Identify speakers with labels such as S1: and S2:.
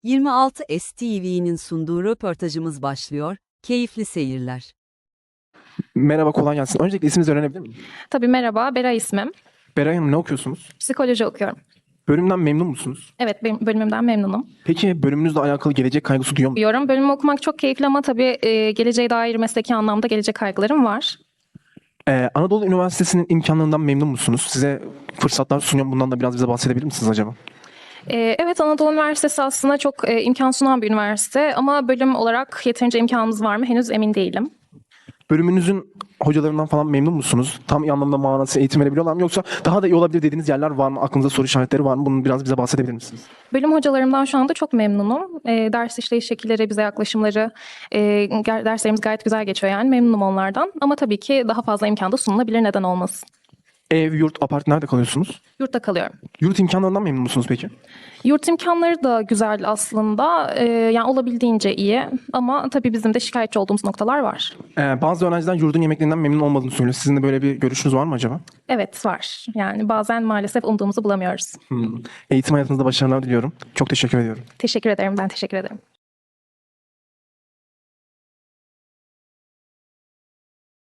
S1: 26 STV'nin sunduğu röportajımız başlıyor. Keyifli seyirler.
S2: Merhaba, kolay gelsin. Öncelikle isminizi öğrenebilir miyim?
S3: Tabii merhaba, Beray ismim.
S2: Beray Hanım, ne okuyorsunuz?
S3: Psikoloji okuyorum.
S2: Bölümden memnun musunuz?
S3: Evet, benim bölümümden memnunum.
S2: Peki bölümünüzle alakalı gelecek kaygısı duyuyor musunuz?
S3: Diyorum, bölümü okumak çok keyifli ama tabii geleceğe dair mesleki anlamda gelecek kaygılarım var.
S2: Anadolu Üniversitesi'nin imkanlarından memnun musunuz? Size fırsatlar sunuyor. Bundan da biraz bize bahsedebilir misiniz acaba?
S3: Evet, Anadolu Üniversitesi aslında çok imkan sunan bir üniversite ama bölüm olarak yeterince imkanımız var mı henüz emin değilim.
S2: Bölümünüzün hocalarından falan memnun musunuz? Tam iyi anlamda manası eğitim verebiliyorlar mı? Yoksa daha da iyi olabilir dediğiniz yerler var mı? Aklınızda soru işaretleri var mı? Bunu biraz bize bahsedebilir misiniz?
S3: Bölüm hocalarımdan şu anda çok memnunum. Ders işleyiş şekilleri, bize yaklaşımları, derslerimiz gayet güzel geçiyor yani memnunum onlardan. Ama tabii ki daha fazla imkan da sunulabilir, neden olmasın.
S2: Ev, yurt, apart nerede kalıyorsunuz?
S3: Yurtta kalıyorum.
S2: Yurt imkanlarından memnun musunuz peki?
S3: Yurt imkanları da güzel aslında. Yani olabildiğince iyi. Ama tabii bizim de şikayetçi olduğumuz noktalar var.
S2: Bazı öğrenciler yurdun yemeklerinden memnun olmadığını söylüyor. Sizin de böyle bir görüşünüz var mı acaba?
S3: Evet var. Yani bazen maalesef umduğumuzu bulamıyoruz.
S2: Eğitim hayatınızda başarılar diliyorum. Çok teşekkür ediyorum.
S3: Teşekkür ederim. Ben teşekkür ederim.